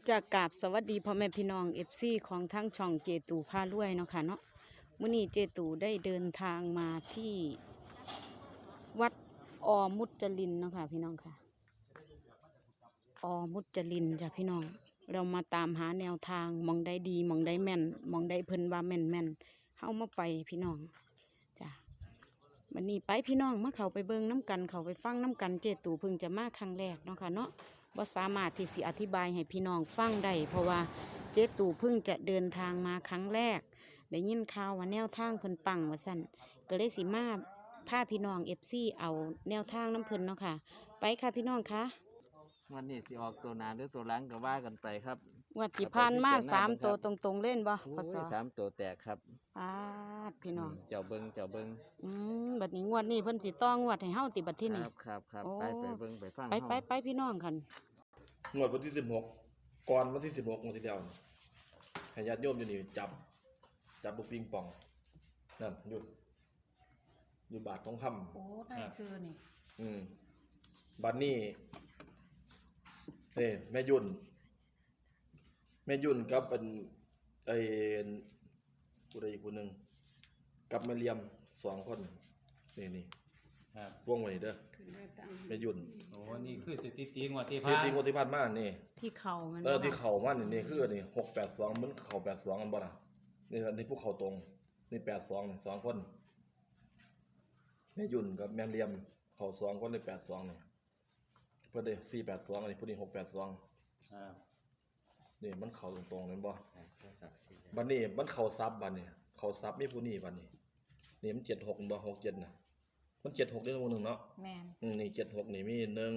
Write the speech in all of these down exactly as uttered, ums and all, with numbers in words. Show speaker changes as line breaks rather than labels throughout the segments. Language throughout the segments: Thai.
จากกราบสวัสดีพ่อแม่พี่น้องเอฟซีของทั้งช่องเจตูพารวยเนาะค่ะเนาะมื้อนี้เจตูได้เดินทางมาที่วัดอมุจจรินเนาะค่ะพี่น้องค่ะอมุจจรินจ้ะพี่น้องเรามาตามหาแนวทางมองได้ดีมองได้แม่นมองได้เพิ่นว่าแม่นแม่นเฮามาไปพี่น้องจ้ะวันนี้ไปพี่น้องมาเขาไปเบิ่งน้ำกันเขาไปฟังน้ำกันเจตูเพิ่งจะมาครั้งแรกเนาะค่ะเนาะบ่สามารถที่สิอธิบายให้พี่น้องฟังได้เพราะว่าเจตูเพิ่งจะเดินทางมาครั้งแรกได้ยินข่าวว่าแนวทางเพิ่นปังว่าซั่นก็เลยสิมาพาพี่น้อง เอฟ ซี เอาแนวทางน้ำเพิ่นเนาะค่ะไปค่ะพี่น้องคะ
วันนี้สิออกตัวหนาหรือตัวหลังก็ว่ากันไปครับ
งวดที่ผ่านมาสามตัวตรงๆเล่นบ่พศ
สามตัวแตกครับ
ปาดพี่น้อง
เจ้าเบิงเจ้าเบิง
อืมบัดนี้งวดนี้เพิ่นสิต้องงวดให้เฮาติบัดที่นี่
ครับครับครับไปไปเบิงไปฟัง
ไปไปไปพี่น้องกัน
งวดวันที่สิบหกก่อนวันที่สิบหกงวดที่แล้วให้ญาติโยมอยู่นี่จับจับบุกปิงปองนั่นหยุดอยู่บาททองคำ
โอ้ได้ซื้อนี่
อืมบัดนี้เอ้แม่ยุ่นแม่ยุ่นกับเป็นไอ้ผู้ใดอีกคนหนึ่งกับแม่เลียมสองคนนี่นี่
ครับ
วงไว้เด้อแม่ยุ่น
โอ้นี่คือสถิติงวดที่
ผ่านสถิติงวดที่ผ่านมานี่
ที่เข่ามัน
เออที่เข่ามันนี่นี่คือนี่หกแปดสองมันเข่าแปดสองกันบ่ล่ะนี่อันนี้พวกเข่าตรงนี่แปดสองนี่สองคนแม่ยุ่นกับแม่เลียมเข่าสองคนในแปดสองนี่เพื่อได้สี่แปดสองอันนี้ผู้นี้หกแปดสองนี่มันเข่าตรงๆนั่นบ่บัดนี้มันเข่าซับบัดนี้เข่าซับมีผู้นี้บัดนี้นี่มันเจ็ดหกบ่หกเจ็ดน่ะมันเจ็ดหกได้ตัวหนึ่งเนาะ
แม่น
นี่เจ็ดหกนี่มีหนึ่ง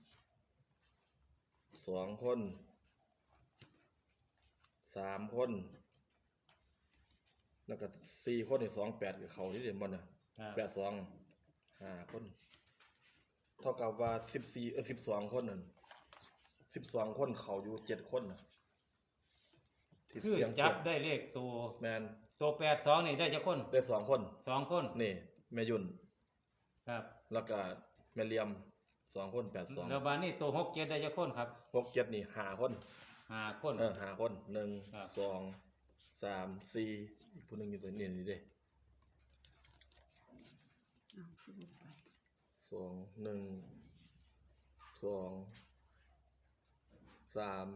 สองคนสามคนแล้วก็สี่คนนี่สองแปดกับเขาที่เด่นบอลน่ะแปดสองห้าคนเท่ากับว่าสิบสี่เออสิบสองคนนั่นสิบสองคนเขาอยู่เจ็ดคนน่ะ
คือจับได้เลขตัว
แมน
ตัวแปดสองนี่ได้จะคน
ได้สองคน
สองคน
นี่แม่ยุ่น
ครับ
แล้วก็แม่เลียมสองคนแปดสอง
แล้วบ้านนี้ตัวหกเจ็ดได้จะคนครับ
หกเจ็ดนี่ห้าคน
ห้าคน
เออห้าคนหนึ่งสองสามสี่อีกคนหนึ่งอยู่ตัวนี้นี่เด้สองหนึ่งสองสาม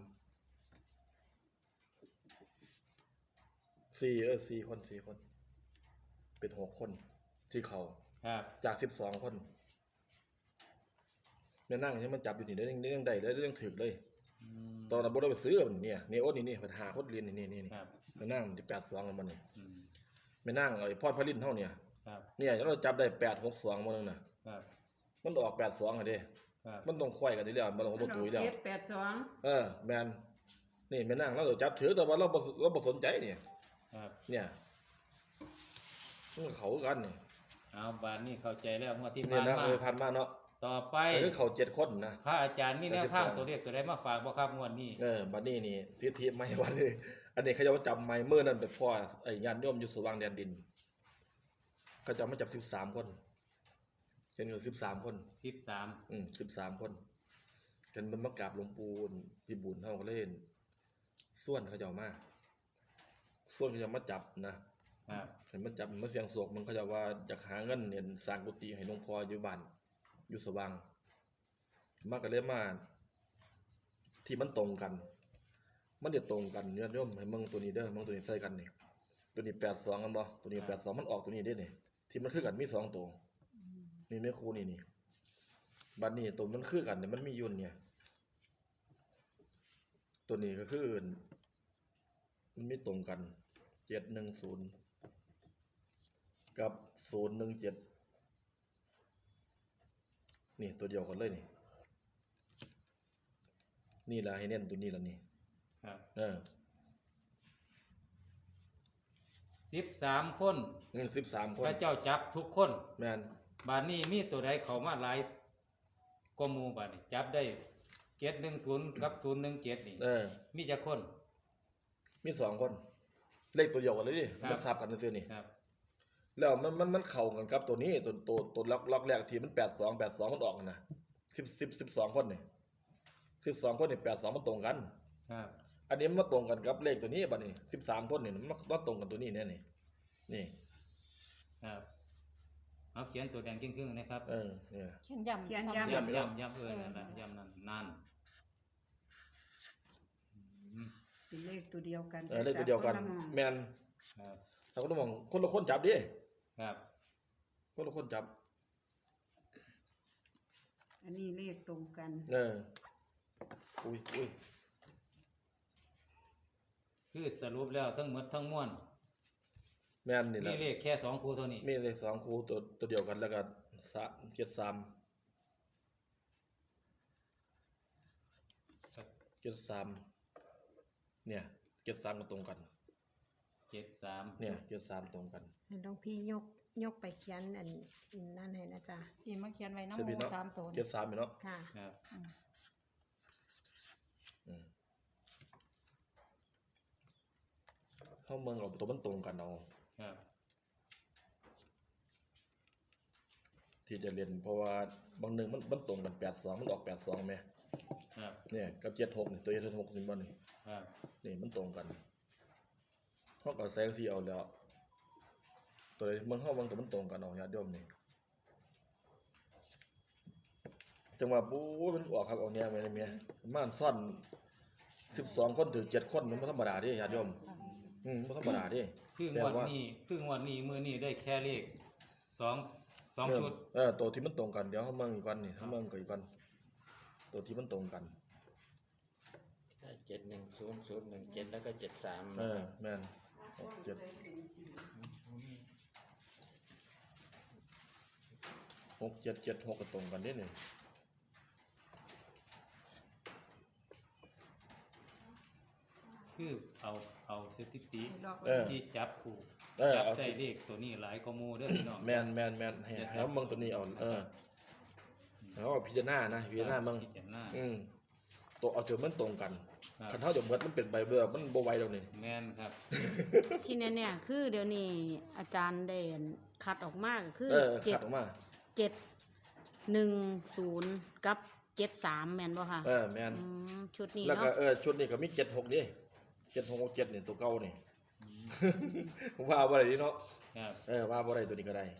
สี่เออสี่คนสี่คนเป็นหกคนที่เขาจากสิบสองคนเนี่ยนั่งใช่มันจับอยู่นี่ได้เรื่องเรื่องใดได้เรื่องถึกเลยตอนนั้นบ่ได้ไปซื้อมันเนี่ยนี่โอ้นี่นี่ปัญหาโคตรเรียนนี่นี่นี่มานั่งที่แปดสองกันมาเนี่ยไม่นั่งไอ้พอดพลินเท่าเนี่ยเนี่ยเราจับได้แปดหกสองมาหนึ่งน่ะมันออกแปดสองอะเด้มันต้องควายกันทีเดียวมันลงประตูทีเดียว
แปดสอง
เออแมนนี่ไม่นั่งเราจับถือแต่ว่าเราเราบ่สนใจเนี่ยเนี่ยมันเขากันเนี่ย
เอาบ้านนี้เข้าใจแล้วเมื่อที่
ผ่านมาผ่านมาเนาะ
ต่อไป
คือเขาเจ็ดคนนะ
พระอาจารย์มีแนวทางตัวเลขตัวใดมาฝากบ่ครับงวดนี้
เออบัดนี้นี่สิทธิไม่วันนี้อันนี้เขาจะมาจับไม้เมื่อนั้นเป็นพ่อไอ้ญาติโยมอยู่สว่างแดนดินเขาจะมาจับสิบสามคนเป็นอยู่สิบสามคน
สิบสาม
อืมสิบสามคนกันมันมากราบหลวงปู่พี่บุญเท่าเขาเล่นส่วนเขาจะมาส่วนเขาจะมาจับนะเห็นมันจับมันเสียงโศกมันเขาจะว่าอยากหาเงินเนี่ยสร้างกุฏิให้หลวงพ่ออยู่บ้านอยู่สว่างมากกันเลยมาที่มันตรงกันมันเดี๋ยวตรงกันเนี่ยโยมให้มึงตัวนี้เด้อมึงตัวนี้ใส่กันนี่ตัวนี้แปดสองกันบ่ตัวนี้แปดสองมันออกตัวนี้ได้เนี่ยที่มันคือกันมีสองตัวมีแม่ครูนี่นี่บัดนี้ตัวมันคือกันเนี่ยมันมียุ่นเนี่ยตัวนี้ก็คือมันไม่ตรงกันเจ็ดหนึ่งศูนย์กับศูนย์หนึ่งเจ็ดนี่ตัวเดียวกันเลยนี่นี่ละให้เน้นตัวนี้ละนี่
ครับ
เออ
สิบสามคน
เงินสิบสามคน
พระเจ้าจับทุกคน
แมน
บ้านนี้มีตัวใดเขามาหลายกมูบ้านนี้จับได้เจ็ดหนึ่งศูนย์กับศูนย์หนึ่งเจ็ดนี่
เออ
มีจะคน
มีสองคนเลขตัวเดียวกันเลยดิมันซับกันซื้อนี่
ครับ
แล้วมันมันมันเข่ากันครับตัวนี้ตัวตัวตัวล็อกล็อกแรกทีมันแปดสองแปดสองมันออกนะสิบสิบสิบสองคนนี่สิบสองคนนี่แปดสองมันตรงกัน
ครับ
อันนี้มันมาตรงกันกับเลขตัวนี้บัดนี้สิบสามคนนี่มันมาตรงกันตัวนี้แน่นี่นี่
ครับเอาเขียนตัวแดงครึ่งๆนะครับ
เออเนี่ย
เขียนย้ำ
เขียน
ซ้ำ
ย้ำ
ย้ำย้ำย้ำเออนั่นแหละย้ำนั่นนั่นอืม
เป็นเลขตัวเดียวกัน
เออเลขตัวเดียวกัน
แต่สับคละหม้อง
แม่น
ครับ
เราก็ต้องมองคนละคนจับดิ
ครับ
คนละคนจับ
อันนี้เลขตรงกัน
เอออุ้ยอุ้ย
คือสรุปแล้วทั้งหมดทั้งมวล
แม่นนี่แห
มี
ละ
เลขแค่สองคู่เท่านี้
มีเลขสองคู่ตัวตัวเดียวกันแล้วก็สามเจ็ดสาม
ครับ
เจ็ดสามเนี่ยเจ็ดสามก็ตรงกัน
เจ็ดสาม
เนี่ยเจ็ดสามตรงกัน
ให้หลวงพี่ยกยกไปเขียนอันนั่นให้นะจ๊ะ
พี่มาเขียนไว้น้ำ
ใช่
ห
ไหม
มู
เนาะ
สามตัว
เจ็ดสามเนาะ
ค่ะ
ครับ
อืมเข้าเมืองเอาตัวมันตรงกันเอา
ครับ
ที่จะเรียนเพราะว่าบางหนึ่งมันมันตรงกันแปดสองมันออกแปดสองไหม
ครับ
เนี่ยกับเจ็ดหกนี่ตัวเจ็ดหกนี่มันนี่
ครับ
นี่มันตรงกันเขาก็แซงซีเอาแล้วตัวใดเมืองเข้าบางตัวมันตรงกันเอาญาติโยมนี่จังหวะปู๊มันออกครับออกแนวไปเลยเมียม่านซ่อนสิบสองคนถึงเจ็ดคนมันไม่ธรรมดาดิญาติโยมอืมไม่ธรรมดาดิ
คืองวดนี้คืองวดนี้มือนี้ได้แค่เลขสองสอง
เออ
ชุด
เออตัวที่มันตรงกันเดี๋ยวเขาเมืองอีกวันนี่เขาเมืองกับอีกวันตัวที่มันตรงกัน
ได้เจ็ดหนึ่งศูนย์ศูนย์หนึ่งเจ็ดแล้วก็เจ็ดสาม
เออแม่นหกเจ็ดหกเจ็ดเจ็ดหกก็ตรงกันนิดหนึ่ง
คือเอาเอาสถิติ
เออ
ที่จับคู่
เออ
จับ
เอา
ได้
สิ
เลขตัวนี้หลายข้อมูลเด้อพี่น้อง
แมนแมนแมนให้ให้เขาเมืองตัวนี้เอาเออแล้วพิจารณานะพิจารณาเมือง
พิจารณา
อืมตัวเอาเถอะมันตรงกัน
ครับ
คันเท่าเดี๋ยวเมื่อมันเป็นใบเบื่อมันโบไหวแล้วนี่
แม่นครับ
ที่แน่ๆคือเดี๋ยวนี้อาจารย์ได้คัดออกมาก็คือ
เออ
เจ็
ขั
ด
ดออกมา
เจ็ดหนึ่งศูนย์กับเจ็ดสามแม่นบ่ค่ะ
เออแมน
อืมชุดนี้
แล้วก็
เนาะ
เออชุดนี้ก็มีเจ็ดหกดิเจ็ดหกเจ็ดนี่ตัวเก่านี่ ว่าบ่ได้ดิเนาะ
ครับ
เออว่าบ่ได้ตัวนี้ก็ได้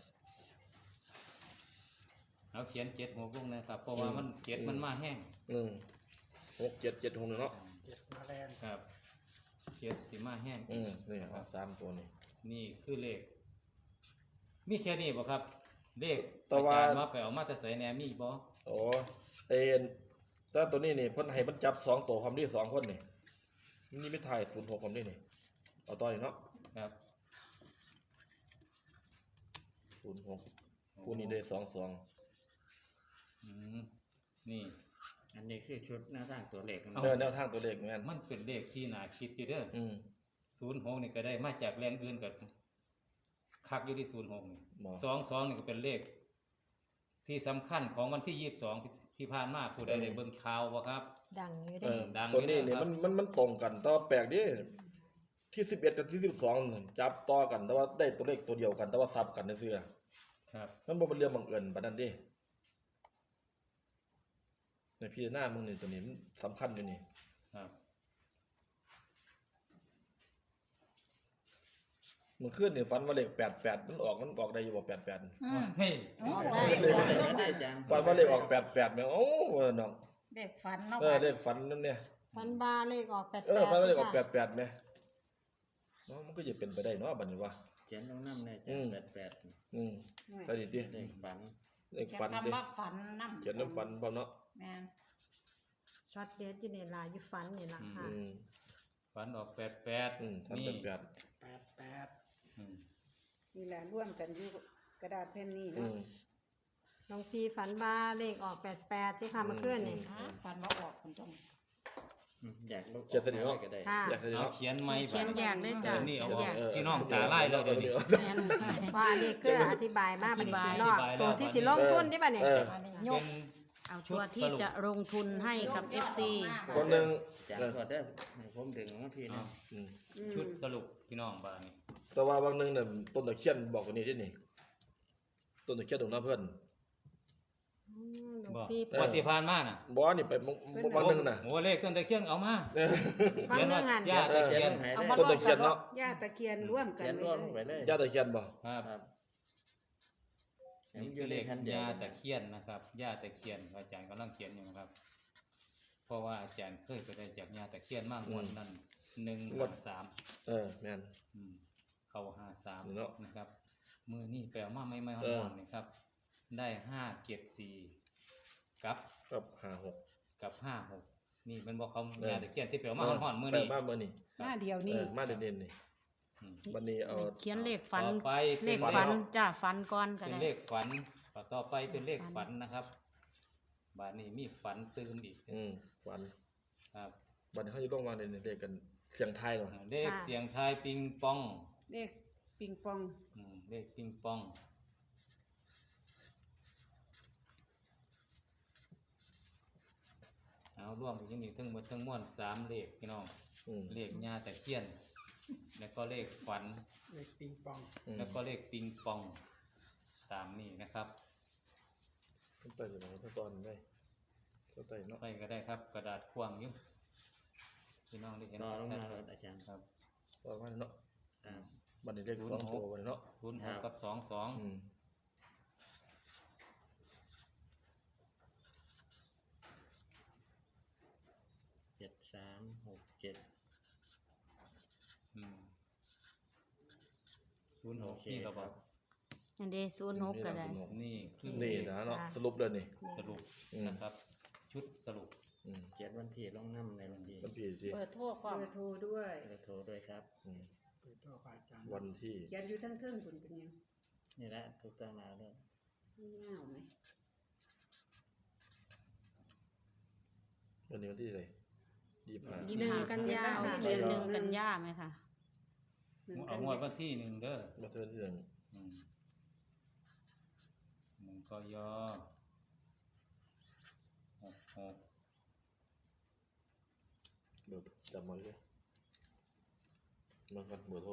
เอาเขียนเจ็ดหัวกุ้งนะครับ เพราะว่ามันเจ็ดมันมาแห้ง
อืมหกเจ็ดเจ็ดหกเนาะ
ครับเจ็ดสิมาแห้ง
อืมนี่เอาสามตัวนี่
นี่คือเลข มีแค่นี้บ่ครับ เลข
แต่
อา
ว่า
จารย์มาไปเอามาแต่ใส่แหนมีบ่
โอ้เอ็นแต่ตัวนี้นี่เพิ่นให้มันจับสองตัวความดีสองคนนี่นี่ไม่ถ่ายศูนย์หกความดีนี่เอาต่ออีกเนาะ
ครับ
ศูนย์หกคู่นี้ได้สองสอง
อืมนี่
อันนี้คือชุดหน้าต่างตัวเลข
เอา
เออแนวทางตัวเลขแม่น
มันเป็นเลขที่น่าคิดอยู่เด้อ
อืม
ศูนย์หกนี่ก็ได้มาจากแรงอื่นกับคักอยู่ที่ศูนย์หกนี่
บ่
สองสองนี่ก็เป็นเลข ที่สำคัญของวันที่ยี่สิบสองที่ผ่านมาผู้ใดได้เบิ่งข่าวบ่ครับ
ดังอยู่
เอ
ได้
อ
ดัง
ตัวนี้
อยู่
นี่
นะครับ
มันมันมันตรงกันแต่ว่าแปลกดิที่สิบเอ็ดกับที่สิบสองจับต่อกัน แต่ว่าได้ตัวเลขตัวเดียวกัน แต่ว่าซับกันในเสื้อ
ครับ
มันบ่เป็นเรื่องบังเอิญปานนั้นดิในพี่หน้ามึงนี่ตัวนี้มันสำคัญอยู่นี่
ครับ
มันขึ้นนี่ฝันว่าเลขแปดแปดมันออกมันออกได้อยู่บ่แปดแปด
อืม
เฮ้ย
โอ้
ได้ได้อาจารย์
ฝันว่าเลขออกแปดแปดแม่งโอ้เออน้อง
เด็กฝันเนาะ
เออเลขฝันนั่นเนี่ย
ฟันบาเลขออกแปด
เอ
แป
อ
ด
ฝันว่าเลขออกแปดแปดแม่เนาะมันก็จะเป็นไปได้เนาะบัดนี้วะ
เขียนลงน้ำในอาจาร
อืม
ย์แปดแปด
อืมไปดิติ
เลขฝัน
เลข
เขียน
ฝันดิ
คำว่าฝันน้ำ
เขียนน้ำฝันพร้อมเนาะ
แม่น
ช็อตเด็ดอยู่ในลายอยู่ฟันนี่ล่ะค่ะ
อืม
ฝันออกแปดแปด
อืมทำ
นี่
เป็นแปด
อืม
นี่แหละร่วมกันอยู่กระดาษแผ่นนี้
อื
เนาะ
ม
หลวงพี่ฝันบาเลขออกแปดแปดที่ค่ะเมื่อคืนนี่
อ่าฝันว่าออกคุณจง
อืมอยากลุก
เขียนเสร็จแล้ว
ก็ได้
ค่ะ
อยากให้
เอา
เนาะ
เขียนไม่
เขียนแยกเลยจ้ะ
เดี๋ยวนี่เอาออก
เขียนแยก
พี่น้องตาไล่แล้วเดี๋ยวนี้
แม่น
ว่าอันนี้คืออธิบายมาบัดนี้สิรอบ
อธิบายแล้ว
ตัวที่สิลงทุนที่บัดนี้
เออ
อันนี้ย
เป็
ก
น
เอาตัวที่จะลงทุนให้กับ เอฟ ซี
คนหนึ่ง
อาจารย์ขอได้อให้ผมดึงมาพี่นะ
อืม
ชุดสรุปพี่น้องบ้านนี้
แต่ว่าบางหนึ่งเนี่ยต้นตะเคียนบอกตัวนี้ที่นี่ต้นตะเคียนตรงหน้าเพื่อน
มหลวง
บอก
พี่
เออ
วันที่ผ่านมาน่ะ
บ่นี่ไปมื้อวันหนึงน่ะ
โอ้เลขต้นตะเคียนเอามา
เออ
ฟังเรื่องงาน
ย่าตะเคียน
หาย
เอา
เล
มา
ข
ต้นตะเคียนเนาะ
ย่าตะเคียนร่วมกัน
เขียน
ไว้
ร่วมลง
เล
ไป
ย
เลย
ย่าตะเคียนบ่
ครับ
ครับ
นี่คือเลขยาตะเคียนนะครับยาตะเคียนอาจารย์กำลังเขียนอยู่นะครับ เพราะว่าอาจารย์เคยไปได้จากยาตะเคียนมากงวดนั้นหนึ่งวันสาม
เออแม่น
อืมเข้าห้าสาม
เนาะ
นะครับ มือนี่แปลมาไม่ไม่
เอ
ห้
อ
อนๆนะครับ ได้ห้าเกียรติสี่กับ
กับห้าหก
กับห้าหกนี่เป็นบอกเขา
เออ
ยาตะเคียนที่แปลมาห้อนๆมือนี่
แปลมามื้อนี้
หน้าเดียว
เอ
นี่
อมาเด่นๆนี่
อืม
วันนี้เอา
เขียนเลขฝัน
ต่อไป
เล
ป็
ขฝัน
เลข
จ้าฝันก่อนก็
เป็น
ได้
เลขฝันต่อไปเป็นเลขฝันนะครับ บาทนี้มีฝันตื่นอีก
อืมวัน
ครับ
วันนี้เขาจะลงมาในเด็กกันเสียงไทายเนาะ
เลขเสียงทายปิงปอง
เลขปิงปอง
อืมเลขปิงปองเอาร่วมกันนี่ทั้งหมดทั้งมวลสามเลขพี่น้อง
อืม
เลขญาตะเคียน แล้วก็เลขฝัน
อืม
แล้วก็เลขปิงปอง ตามนี้นะครับ
ต้องไต่อยู่ตตอนได้ต้องไต่เนาะ
ไปก็ได้ครับ กระดาษควางอยู่พี่น้องได้เห็น
ต่อลงมา
ชัด
เลยอาจารย์
ๆครับ
ว่าว่าเนาะ
ครับ
วันนี้เลขสองตัววันนี้เนาะ
ศูนย์หกกับสองสอง
อืม
เจ็ดสามหกเจ็ด
อืมศูนย์ห
โอก เค
นี่เรา
ค
บอ
รั
ก
บ
อันเดศูนย์หกก็ได้
นี่คือ
นี่นะเนาะสรุปเลยนี่
สรุป
อืม
นะครับ ชุดสรุป
อืม
เขียนวันที่ลงน้ำในวันที่
มันผิดสิ
เปิดโทรความเบอร์โทรด้วย
เบอร์โทรด้วยครับ
อืม
เปิดตัวพระอาจารย์
วันที่
เขียนอยู่ทั้งเทิงคุณเป็นยัง
นี่แหละถูกต้องแล้วเลย
เงาไหม
วันนี้วันที่อะไรยี่สิบห้า
ยี่
หนึ่งกันยา
เอา
ค่ะ
เดือนหนึ่งกันยาไหมคะ
หนึ่ง
เอา
กัน
งวดวันที่หนึ่งเด้อ
มาเทินที่หนึ่ง
อืมหนึ่งกยหกหก
เบอร์จำมาเลยมากันเบอร์โทร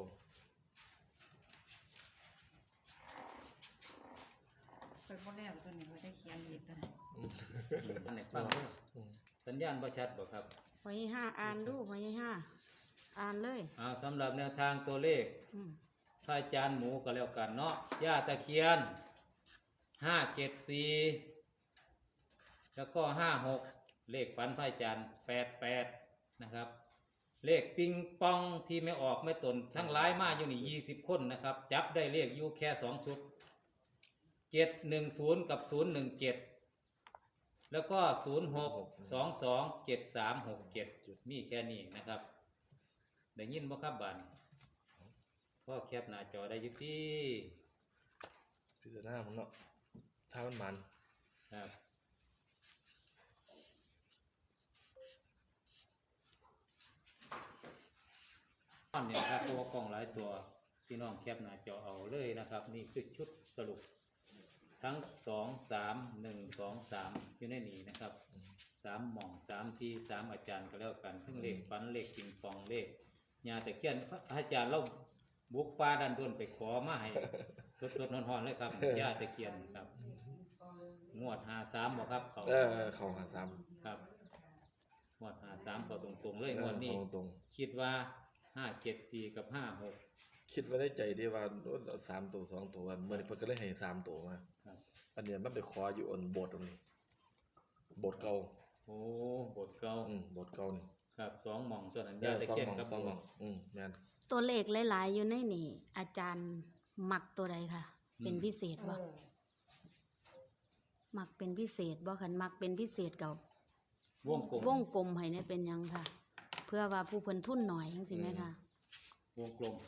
ไปพ่อแล้วตัวนี้เขาได้เขียนอีกนะ
อันไหนฟังเด้อ
อืม
สัญญาณประชัดบ่ครับ
พอยี่ห้าอ่านดูพอยี่ห้าอ่านเลย
เอาสำหรับแนวทางตัวเลข
อืม
พระอาจารย์หมูก็แล้วกันเนาะย่าตะเคียนห้าเจ็ดสี่แล้วก็ห้าหกเลขฝันพระอาจารย์แปดแปดนะครับ เลขปิงปองที่ไม่ออกไม่ตนทั้งหลายมาอยู่นี่ยี่สิบคนนะครับ จับได้เลขอยู่แค่สองชุดเจ็ดหนึ่งศูนย์กับศูนย์หนึ่งเจ็ดแล้วก็ศูนย์หกสองสองเจ็ดสามหกเจ็ดมีแค่นี้นะครับ ได้ยินบ่ครับบ้านพ่อแคปหน้าจอได้อยุที่
พิจารณามันเนาะถ้ามันมัน
ครับตอนนี้ครับตัวกล่องหลายตัวพี่น้องแคปหน้าจอเอาเลยนะครับ นี่คือชุดสรุป ทั้งสองสามหนึ่งสองสามอยู่ในนี้นะครับสามหม่องสามทีสามอาจารย์ก็แล้วกันทั้งเลขฟันเลขปิงปองเลขยาตะเคียนพระอาจารย์เราบุกป่าดันด้นไปขอมาให้ สดสดๆร้อนๆเลยครับยาตะเคียนครับงวดหาสามบอกครับเขา
เออเข่าหาซ้ำ
ครับงวดหาสามเขาตรงๆเลย
เออง
วดนี้
เอาตรง
คิดว่าห้าเจ็ดสี่กับห้าหก
ๆคิดไว้ในใจดีว่าโอ้ยเอาสามตัวสองตัวเมื่อนี้เพิ่นก็เลยให้สามตัวมา
ครับ
อันเนี้ยมันไปขออยู่อันโบสถ์ตรงนี้โบสถ์เก่า
โอ้บทเก่า
อืมโบสถ์เก่านี่
ครับสองหม่องส่วนนั้น
เอย
า
อ
ตะ
สอง
เคียน
หม่อง
กับ
สองหม่อง
โบสถ์
อืมแม่น
ตัวเลขหลายๆอยู่ในนี่ อาจารย์มักตัวใดค่ะ เป็นพิเศษ
เอ
บ่
อ
มักเป็นพิเศษบ่คันมักเป็นพิเศษเก่าว
งกลม
วงกลมให้เนี่ยเป็นหยังค่ะ เพื่อว่าผู้เพิ่นทุนหน่อยจังซี่ไหมคะ
วงกลม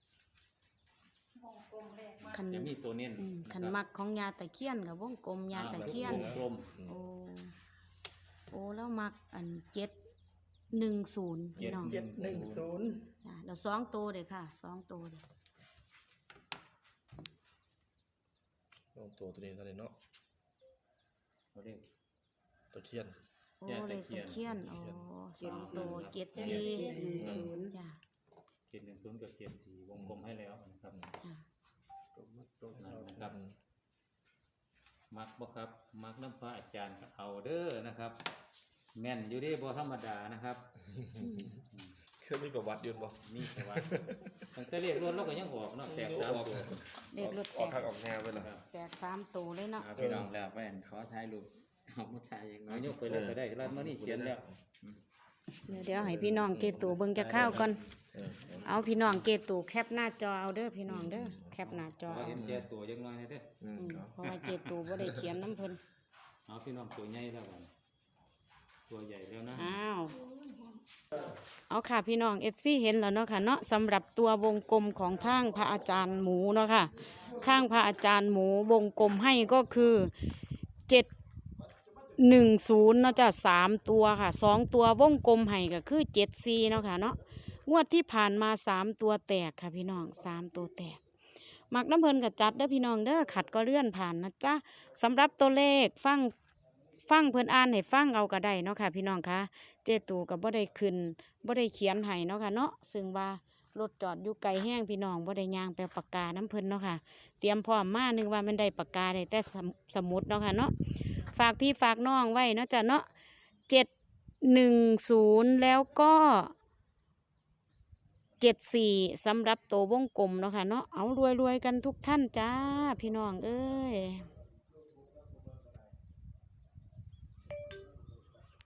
คัน
จะมีตัวเน้น
อืม
ะ
คัน
รับ
มักของยาตะเคียนกับวงกลมยาตะเคียน
วงกลม
โอ้โอ้แล้วมักอันเจ็ดหนึ่งศูนย์พี่น้อง
เจ็ด
หนึ่งศูนย์
จ้ะเดี๋ยวสองตัวเลยค่ะสองตัวเลย
ลองตัวตัวนี้เท่านี้เนาะ
เขาเรียก
ตะเคียน
โอ้
ยา
เล
ตะ
ข
เคีย
ตะ
น
เคียนโอ้สองตัวเจ็ดสี่
เจ็ดหนึ่งศูนย์
จ้ะ
เจ็ดหนึ่งศูนย์กับเจ็ดสี่วงกลมให้แล้วนะครับ
จ้ะ
ตรงมาตรง
นั่
เรา
นนะครับมักบ่ครับมักน้ำพระอาจารย์ก็เอาเด้อนะครับ แม่นอยู่เดีบ่ธรรมดานะครับ
เคยมีประวัติอยืนบ่
มีประวัติตั้งแต่เรียกรถเราก็ยังออกเนาะแตกสามตัว
เลขรถ
ออก
แต
ทาง
ก
ออกแนวไปเลย
ครับ
แตกสามตัวเลยเนาะ
อ่าพี่น้องแล้วแม่นขอถ่ายรูปเอามาถ่ายอย่างน้อ
เอา
ย
ยกไปเลยก็ได้ร้านมานี่เขียนแล้ว
เดี๋ยวเดี๋ยวให้พี่น้องเกตูเบิ่งจะข้าวก่อน
เออ
เอาพี่น้องเกตูแคปหน้าจอเอาเด้อพี่น้องเด้อแคปหน้าจอ
ขอ
เอา
เห็นแก่ตัวยังน้อยนะเด้อ
อืม
อืม
ครับ
เพราะว่าเกตูบ่ได้เขียนน้ำเพิ่น
เอาพี่น้องตัวใหญ่แล้วกันตัวใหญ่แล้วนะ
อ้าวเอาค่ะพี่น้อง เอฟ ซี เห็นแล้วเนาะค่ะเนาะสำหรับตัววงกลมของทางพระอาจารย์หมูเนาะค่ะข้างพระอาจารย์หมูวงกลมให้ก็คือเจ็ดหนึ่งศูนย์เนาะจ้ะสามตัวค่ะสองตัววงกลมให้ก็คือเจ็ดสี่เนาะค่ะเนาะงวดที่ผ่านมาสามตัวแตกค่ะพี่น้องสามตัวแตกมักน้ำเพลินกับจัดเด้อพี่น้องเด้อขัดก็เลื่อนผ่านนะจ๊ะสำหรับตัวเลขฟังฟังเพิ่นอ่านให้ฟังเอาก็ได้เนาะค่ะพี่น้องคะเจตูกับบ่ได้ขึ้นบ่ได้เขียนให้เนาะค่ะเนาะซึ่งว่ารถจอดอยู่ไกลแห้งพี่น้องบ่ได้ย่างไปปากกาน้ำเพิ่นเนาะค่ะเตรียมพร้อมมานึกว่ามันได้ปากกาได้แต่สมสมุดเนาะค่ะเนาะฝากพี่ฝากน้องไว้เนาะจ้ะเนาะเจ็ดหนึ่งศูนย์แล้วก็เจ็ดสี่สำหรับตัววงกลมเนาะค่ะเนาะเอารวยๆกันทุกท่านจ้าพี่น้องเอ้ย